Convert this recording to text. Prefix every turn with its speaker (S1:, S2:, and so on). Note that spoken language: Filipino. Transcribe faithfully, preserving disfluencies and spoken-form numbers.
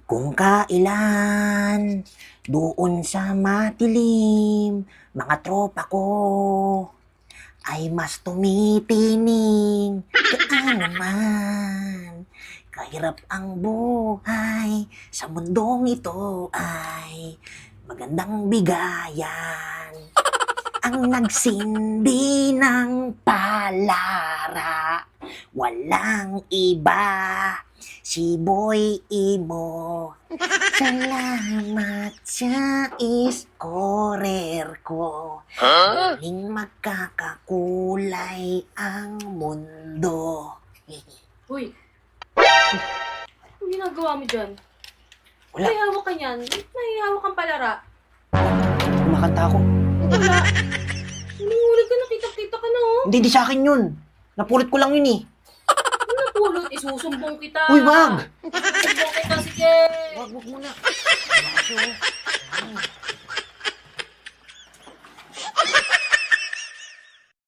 S1: Kung kailan doon sa matilim, mga tropa ko ay mas tumitining. Gaano man kahirap ang buhay sa mundong ito ay magandang bigayan. Ang nagsindi ng palara, walang iba, si Boy Imo. Salamat sa iskorer ko. Muling magkakakulay ang mundo.
S2: Uy! Anong ginagawa mo dyan?
S1: Wala.
S2: May hawak ka niyan. Ba't may hawak kang palara?
S1: Kumakanta ako.
S2: Wala. Nanguhuli ka, nakita-kita ka na oh.
S1: Hindi, di sa akin yun. Napulot ko lang yun eh.
S2: Ano napulot? Isusumbong kita.
S1: Uy, wag!
S2: Sumbong kita, sige.
S1: Wag, wag muna. Bakit yun?